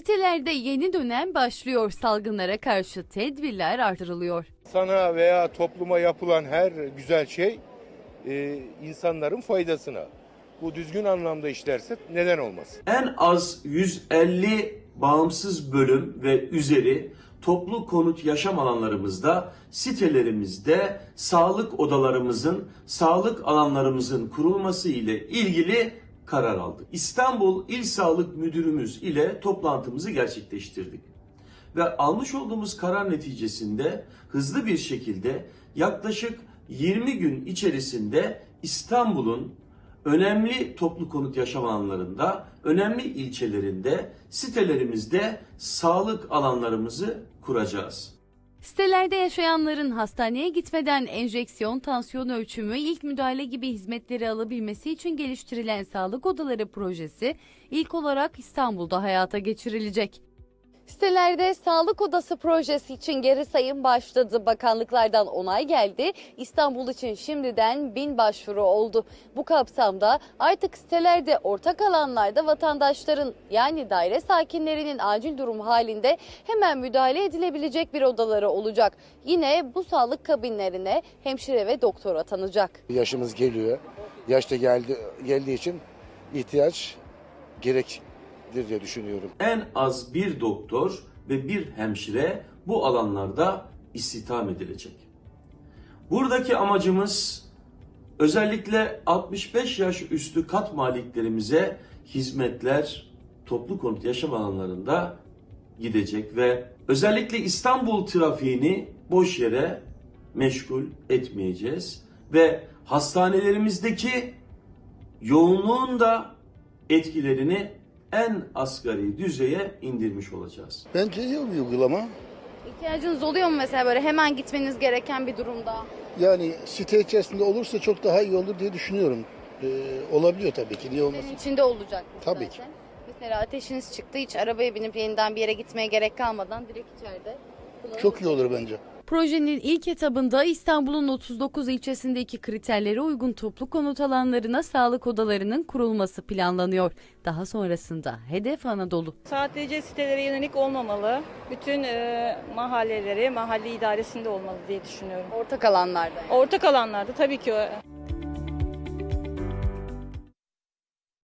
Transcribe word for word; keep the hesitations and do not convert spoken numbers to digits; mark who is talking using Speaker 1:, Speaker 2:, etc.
Speaker 1: Sitelerde yeni dönem başlıyor. Salgınlara karşı tedbirler artırılıyor.
Speaker 2: Sana veya topluma yapılan her güzel şey e, insanların faydasına. Bu düzgün anlamda işlerse neden olmasın?
Speaker 3: En az yüz elli bağımsız bölüm ve üzeri toplu konut yaşam alanlarımızda, sitelerimizde sağlık odalarımızın, sağlık alanlarımızın kurulması ile ilgili karar aldık. İstanbul İl Sağlık Müdürümüz ile toplantımızı gerçekleştirdik. Ve almış olduğumuz karar neticesinde hızlı bir şekilde yaklaşık yirmi gün içerisinde İstanbul'un önemli toplu konut yaşam alanlarında, önemli ilçelerinde, sitelerimizde sağlık alanlarımızı kuracağız.
Speaker 1: Sitelerde yaşayanların hastaneye gitmeden enjeksiyon, tansiyon ölçümü, ilk müdahale gibi hizmetleri alabilmesi için geliştirilen sağlık odaları projesi ilk olarak İstanbul'da hayata geçirilecek. Sitelerde sağlık odası projesi için geri sayım başladı. Bakanlıklardan onay geldi. İstanbul için şimdiden bin başvuru oldu. Bu kapsamda artık sitelerde ortak alanlarda vatandaşların yani daire sakinlerinin acil durum halinde hemen müdahale edilebilecek bir odaları olacak. Yine bu sağlık kabinlerine hemşire ve doktor atanacak.
Speaker 4: Yaşımız geliyor. Yaşta geldi, geldiği için ihtiyaç gerek diye düşünüyorum.
Speaker 3: En az bir doktor ve bir hemşire bu alanlarda istihdam edilecek. Buradaki amacımız özellikle altmış beş yaş üstü kat maliklerimize hizmetler toplu konut yaşam alanlarında gidecek ve özellikle İstanbul trafiğini boş yere meşgul etmeyeceğiz ve hastanelerimizdeki yoğunluğun da etkilerini en asgari düzeye indirmiş olacağız.
Speaker 4: Bence iyi bir uygulama.
Speaker 1: İhtiyacınız oluyor mu mesela böyle hemen gitmeniz gereken bir durumda?
Speaker 4: Yani site içerisinde olursa çok daha iyi olur diye düşünüyorum. Ee, olabiliyor tabii ki. Niye olmasın?
Speaker 1: Senin içinde olacak bu
Speaker 4: Tabii
Speaker 1: zaten. Mesela ateşiniz çıktı, hiç arabaya binip yeniden bir yere gitmeye gerek kalmadan direkt içeride.
Speaker 4: Çok iyi olur bence.
Speaker 1: Projenin ilk etabında İstanbul'un otuz dokuz ilçesindeki kriterlere uygun toplu konut alanlarına sağlık odalarının kurulması planlanıyor. Daha sonrasında hedef Anadolu.
Speaker 5: Sadece sitelere yönelik olmamalı. Bütün e, mahalleleri mahalle idaresinde olmalı diye düşünüyorum.
Speaker 1: Ortak alanlarda.
Speaker 5: Ortak alanlarda tabii ki o.